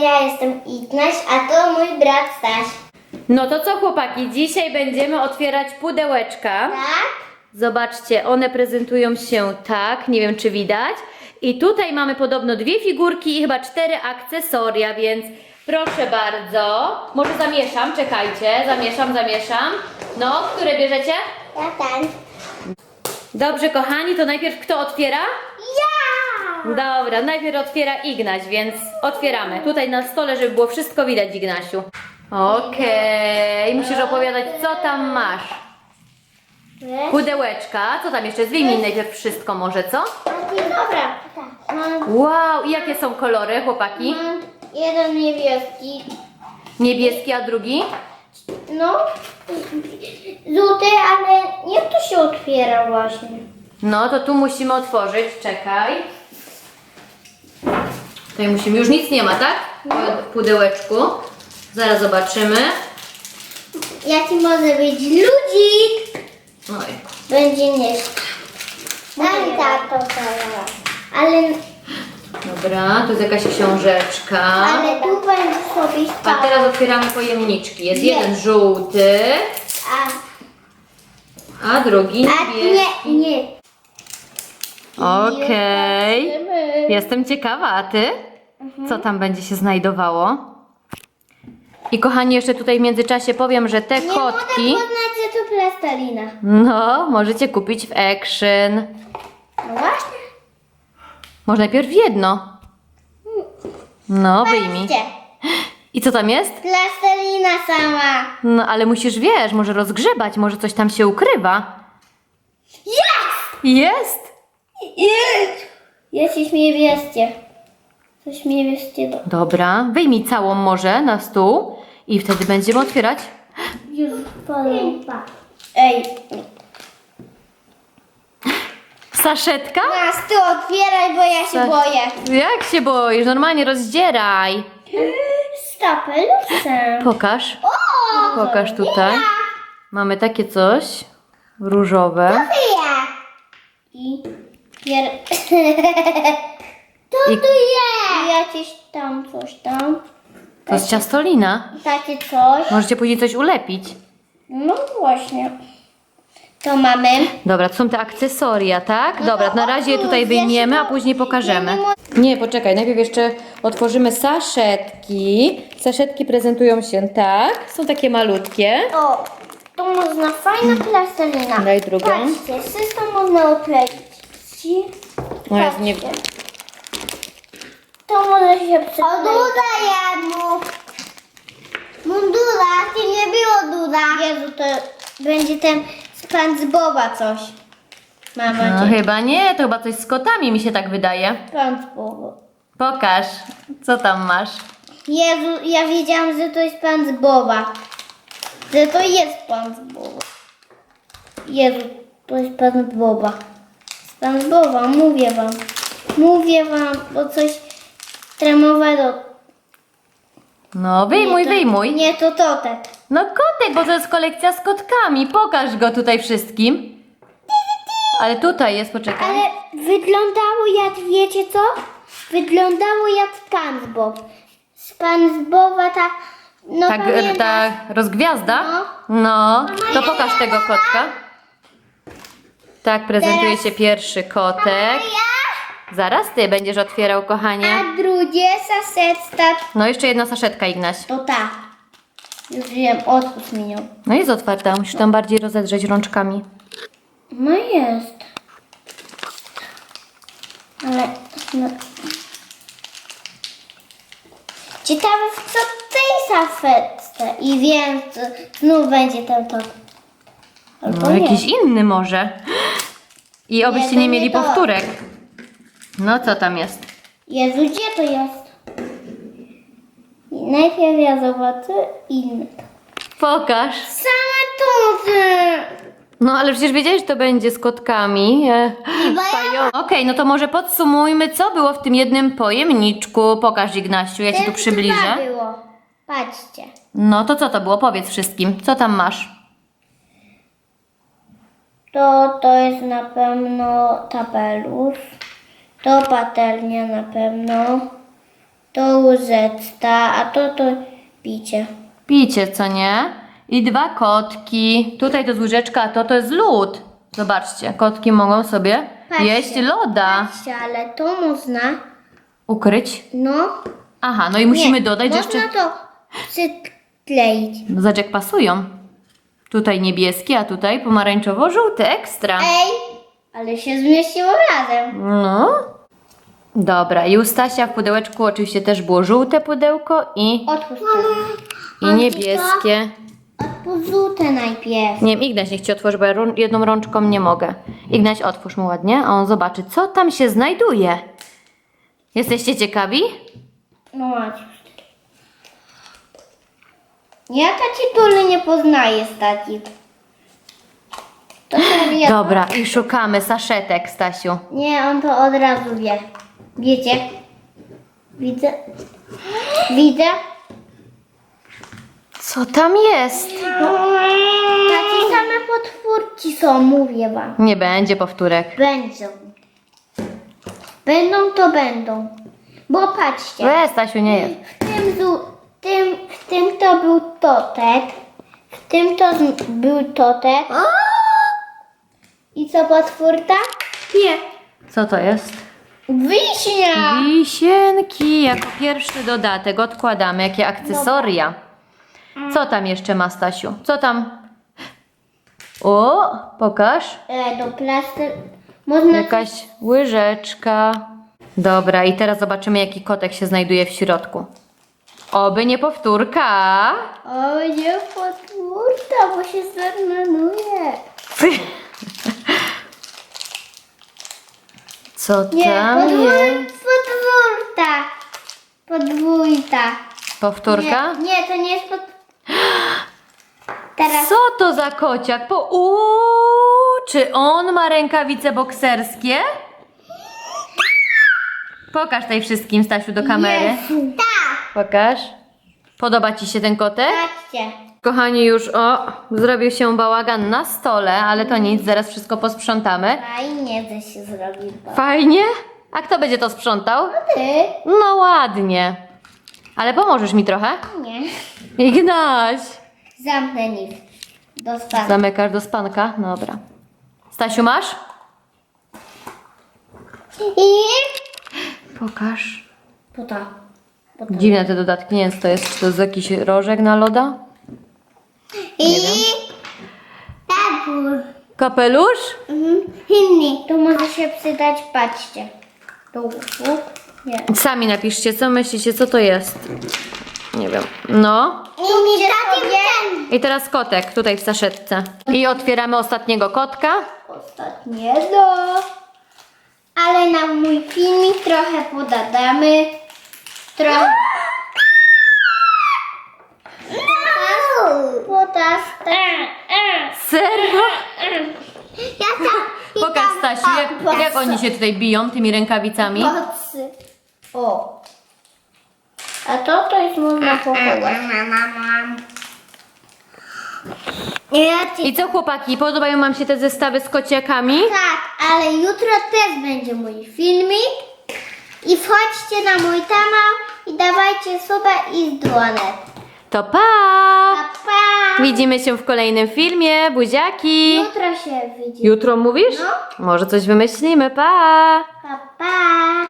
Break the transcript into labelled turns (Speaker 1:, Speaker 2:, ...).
Speaker 1: Ja jestem Ignaś, a to mój brat Staś.
Speaker 2: No to co, chłopaki, dzisiaj będziemy otwierać pudełeczka.
Speaker 1: Tak?
Speaker 2: Zobaczcie, one prezentują się tak, nie wiem czy widać. I tutaj mamy podobno 2 figurki i chyba 4 akcesoria, więc proszę bardzo. Może zamieszam, czekajcie, zamieszam. No, które bierzecie?
Speaker 1: Ja ten.
Speaker 2: Dobrze, kochani, to najpierw kto otwiera?
Speaker 1: Ja!
Speaker 2: Dobra, najpierw otwiera Ignaś, więc otwieramy. Tutaj na stole, żeby było wszystko widać, Ignasiu. Okej, musisz opowiadać, co tam masz. Pudełeczka, co tam jeszcze? Wyjmij najpierw wszystko może, co?
Speaker 1: Dobra. Tak. Mam,
Speaker 2: Wow, i jakie są kolory, chłopaki?
Speaker 1: mam jeden niebieski.
Speaker 2: Niebieski, a drugi?
Speaker 1: No, żółty, ale jak to się otwiera właśnie?
Speaker 2: No, to tu musimy otworzyć, czekaj. Tutaj musimy, już nic nie ma, tak? W pudełeczku. Zaraz zobaczymy.
Speaker 1: Jaki może być ludzik?
Speaker 2: Oj.
Speaker 1: Będzie nieść. Daj tato teraz. Ale
Speaker 2: Dobra, tu jest jakaś książeczka.
Speaker 1: tu będzie sobie
Speaker 2: A
Speaker 1: spał.
Speaker 2: teraz otwieramy pojemniczki. Jest
Speaker 1: Nie.
Speaker 2: jeden żółty, a drugi niebieski.
Speaker 1: Nie.
Speaker 2: Okej. Jestem ciekawa, a ty? Co tam będzie się znajdowało? I kochani, jeszcze tutaj w międzyczasie powiem, że te
Speaker 1: Nie mogę
Speaker 2: kotki,
Speaker 1: poznać, że to plastelina.
Speaker 2: no, możecie kupić w Action.
Speaker 1: No właśnie.
Speaker 2: Może najpierw jedno. No, wyjmij.
Speaker 1: Patrzcie.
Speaker 2: I co tam jest?
Speaker 1: Plastelina sama.
Speaker 2: No, ale musisz, wiesz, może rozgrzebać, może coś tam się ukrywa.
Speaker 1: Jest!
Speaker 2: Jest!
Speaker 1: Jest coś niebieskie. Coś niebieskiego.
Speaker 2: Dobra, wyjmij całą może na stół i wtedy będziemy otwierać.
Speaker 1: Już Ej.
Speaker 2: Saszetka?
Speaker 1: Nas ty otwieraj, bo ja się boję.
Speaker 2: Jak się boisz? Normalnie rozdzieraj.
Speaker 1: Z kapelusem.
Speaker 2: Pokaż.
Speaker 1: O!
Speaker 2: Pokaż tutaj. Mamy takie coś różowe.
Speaker 1: Ja. I
Speaker 2: I
Speaker 1: tu jest. Jakieś tam coś tam.
Speaker 2: to jest ciastolina.
Speaker 1: Takie coś.
Speaker 2: Możecie później coś ulepić.
Speaker 1: No właśnie. To mamy.
Speaker 2: Dobra, to są te akcesoria, tak?
Speaker 1: No
Speaker 2: Dobra,
Speaker 1: to
Speaker 2: na razie je tutaj
Speaker 1: otwórz, ja
Speaker 2: wyjmiemy,
Speaker 1: się
Speaker 2: a później pokażemy.
Speaker 1: ja
Speaker 2: Nie, poczekaj, najpierw jeszcze otworzymy saszetki. Saszetki prezentują się tak. Są takie malutkie.
Speaker 1: O, to można fajna plastelina.
Speaker 2: Daj drugą.
Speaker 1: Patrzcie, wszystko można okleić.
Speaker 2: No jest nie...
Speaker 1: To może się przykleić. O, duda jadł. Mundura, ty nie było duda. Jezu, to będzie ten SpongeBoba coś. Mama,
Speaker 2: No chyba nie, to chyba coś z kotami mi się tak wydaje.
Speaker 1: SpongeBoba.
Speaker 2: Pokaż, co tam masz.
Speaker 1: Jezu, ja wiedziałam, że to jest SpongeBoba. Że to jest SpongeBoba. Jezu, to jest SpongeBoba. SpongeBoba, mówię wam. Mówię wam, bo coś tremowego.
Speaker 2: No wyjmuj, wyjmuj.
Speaker 1: Nie, to totek.
Speaker 2: No kotek, bo to jest kolekcja z kotkami. Pokaż go tutaj wszystkim. Ale tutaj jest, poczekaj.
Speaker 1: Ale wyglądało jak, wiecie co? Wyglądało jak SpongeBob. SpongeBoba ta, no
Speaker 2: Tak,
Speaker 1: pamiętasz?
Speaker 2: ta rozgwiazda? No, to pokaż tego kotka. Tak prezentuje
Speaker 1: Teraz-
Speaker 2: się pierwszy kotek. Zaraz ty będziesz otwierał, kochanie.
Speaker 1: A drugie sasetta
Speaker 2: No jeszcze jedna saszetka, Ignaś.
Speaker 1: to ta. Już wiem, otwórz mi ją.
Speaker 2: No jest otwarta, musisz tam bardziej rozedrzeć rączkami.
Speaker 1: No jest. Ale... No. Ciekawe w co tej saszetce. I wiem, co znów będzie ten top. Albo
Speaker 2: No
Speaker 1: nie.
Speaker 2: jakiś inny może. I obyście
Speaker 1: to
Speaker 2: nie
Speaker 1: nie
Speaker 2: mieli
Speaker 1: to.
Speaker 2: powtórek. No co tam jest?
Speaker 1: Jezu, gdzie to jest? I najpierw ja zobaczę inne.
Speaker 2: Pokaż.
Speaker 1: Same tuzy!
Speaker 2: No ale przecież wiedziałeś, że to będzie z kotkami. Okej, no to może podsumujmy, co było w tym jednym pojemniczku. Pokaż, Ignasiu, ja ci tu przybliżę.
Speaker 1: było. Patrzcie.
Speaker 2: No to co to było? Powiedz wszystkim. Co tam masz?
Speaker 1: To jest na pewno tabelusz. To patelnia na pewno. To łyżeczka, a to picie.
Speaker 2: Picie, co nie? I 2 kotki. Tutaj to jest łyżeczka, a to jest lód. Zobaczcie, kotki mogą sobie
Speaker 1: Patrzcie.
Speaker 2: jeść loda.
Speaker 1: Patrzcie, ale to można,
Speaker 2: Ukryć.
Speaker 1: no.
Speaker 2: Aha, no i musimy
Speaker 1: nie,
Speaker 2: dodać
Speaker 1: można
Speaker 2: jeszcze...
Speaker 1: to przykleić.
Speaker 2: No zobacz, jak pasują. Tutaj niebieski, a tutaj pomarańczowo-żółty. Ekstra.
Speaker 1: Ej, ale się zmieściło razem.
Speaker 2: No. Dobra, i u Stasia w pudełeczku oczywiście też było żółte pudełko i
Speaker 1: Otwórz to.
Speaker 2: niebieskie.
Speaker 1: Otwórz żółte najpierw.
Speaker 2: Nie wiem, Ignaś niech Ci otworzy, bo ja jedną rączką nie mogę. Ignaś, otwórz mu ładnie, a on zobaczy, co tam się znajduje. Jesteście ciekawi?
Speaker 1: No Maciuś. Ja taci nie poznaję z takich. To serio.
Speaker 2: Dobra, i szukamy saszetek, Stasiu.
Speaker 1: Nie, on to od razu wie. Wiecie? Widzę. Widzę.
Speaker 2: Co tam jest?
Speaker 1: Takie same potwórki są, mówię wam.
Speaker 2: Nie będzie powtórek.
Speaker 1: Będą. Będą to będą. Bo patrzcie.
Speaker 2: Stasiu, nie jest.
Speaker 1: W tym to był totek. W tym to był totek. I co potwórka? Nie.
Speaker 2: Co to jest?
Speaker 1: Wiśnia.
Speaker 2: Wisienki, jako pierwszy dodatek odkładamy. Jakie akcesoria. Co tam jeszcze ma, Stasiu? Co tam? O, pokaż.
Speaker 1: Do plaster. Można
Speaker 2: Jakaś łyżeczka. Dobra, i teraz zobaczymy, jaki kotek się znajduje w środku. Oby nie powtórka.
Speaker 1: O, nie potwórka, bo się zmarnuje.
Speaker 2: Co
Speaker 1: Nie,
Speaker 2: tam jest?
Speaker 1: podwórka. Podwójta.
Speaker 2: Powtórka?
Speaker 1: Nie, to nie jest Teraz
Speaker 2: Co to za kociak? Czy on ma rękawice bokserskie? Pokaż tutaj wszystkim, Stasiu, do kamery.
Speaker 1: Tak.
Speaker 2: Pokaż. Podoba Ci się ten kotek?
Speaker 1: Patrzcie.
Speaker 2: Kochani, już zrobił się bałagan na stole, ale to nic, zaraz wszystko posprzątamy.
Speaker 1: Fajnie, że się zrobiło.
Speaker 2: Fajnie? A kto będzie to sprzątał?
Speaker 1: Ty?
Speaker 2: No ładnie. Ale pomożesz mi trochę?
Speaker 1: Nie.
Speaker 2: Ignaś.
Speaker 1: Zamknę nic. Dostanę.
Speaker 2: Zamykasz do spanka? Dobra. Stasiu, masz?
Speaker 1: I...
Speaker 2: Pokaż.
Speaker 1: Po to.
Speaker 2: Dziwne te dodatki, nie wiem co to jest. Czy to jest jakiś rożek na loda?
Speaker 1: I...
Speaker 2: wiem.
Speaker 1: Tabur.
Speaker 2: Kapelusz?
Speaker 1: Inni. To może się przydać, patrzcie. Tu. Nie.
Speaker 2: Sami napiszcie, co myślicie, co to jest. Nie wiem. No.
Speaker 1: Inni sobie...
Speaker 2: I teraz kotek tutaj w saszetce. I otwieramy ostatniego kotka.
Speaker 1: Ostatniego. Ale na mój filmik trochę podadamy. Trochę. Potas.
Speaker 2: Serio?
Speaker 1: Ja tam.
Speaker 2: Pokaż, Stasiu, jak oni się tutaj biją tymi rękawicami.
Speaker 1: Kocy. O. A to jest można pochować.
Speaker 2: I co, chłopaki, podobają wam się te zestawy z kociakami?
Speaker 1: Tak, ale jutro też będzie mój filmik. I wchodźcie na mój kanał i dawajcie suba i dzwonek.
Speaker 2: To pa!
Speaker 1: Pa, pa.
Speaker 2: Widzimy się w kolejnym filmie, buziaki!
Speaker 1: Jutro się widzimy.
Speaker 2: Jutro mówisz?
Speaker 1: No.
Speaker 2: Może coś wymyślimy, pa!
Speaker 1: Pa, pa.